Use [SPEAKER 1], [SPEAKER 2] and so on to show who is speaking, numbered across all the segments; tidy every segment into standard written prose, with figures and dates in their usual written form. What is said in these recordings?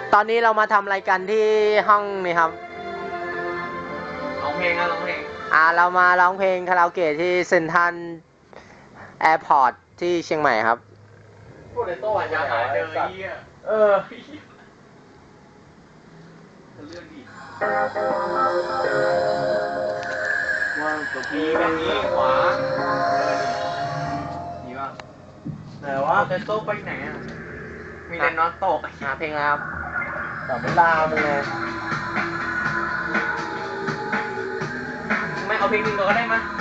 [SPEAKER 1] ตอนนี้เรามาทำอะไรกันที่ห้องนี่ครับ
[SPEAKER 2] ร้องเพลงร้องเพลง
[SPEAKER 1] เรามาร้องเพลงคาราโอเกะที่เซ็นทรัลแอร์พอร์ตที่เชียงใหม่ครับ
[SPEAKER 2] พูดในโต๊ะจะหาเจอเหี้ยเลื่อนดิว่าตัวพีแบบนี้ขวานี่ป่ะแต่ว่าแต่โต๊ะไปไหนอ่ะมีแต่น็อตตก
[SPEAKER 1] หาเพลงแล้วครับ
[SPEAKER 2] แต่ไม่ลามึงเลยไม่เอาเพลงหนึ่งก็ได้มั้ย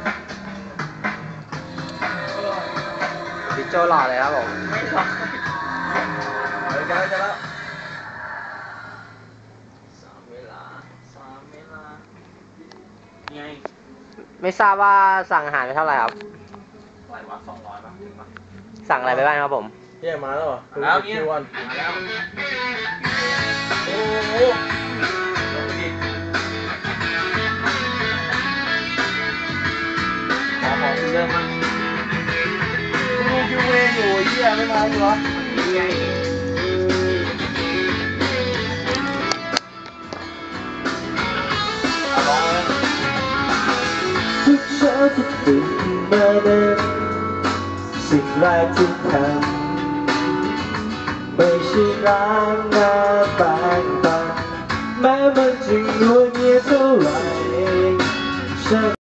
[SPEAKER 1] ดิโจหล่อเลยครับผม
[SPEAKER 2] ไม่หล่อจะแล้วสามเวลาไง
[SPEAKER 1] ไม่ทราบว่าสั่งอาหารไปเท่าไหร่ครับ
[SPEAKER 2] ไหววะ200ป่ะถึงป่ะ
[SPEAKER 1] สั่งอะไรไปบ้างครับผม
[SPEAKER 2] เฮียมาแล้วเหรอแล้วเนี่ยมาแล้วโอ้โหของเริ่มมั้งดูยูเวอยู่เฮียไม่มาอยู่เหรอนี่ไงร้องเลย
[SPEAKER 3] ทุกเช้าที่ตื่นมานั้นสิ่งแรกที่ทำไม่ใช่ล้างหน้าแปรงฟันแม้มันจะงัวเงียเท่าไหร่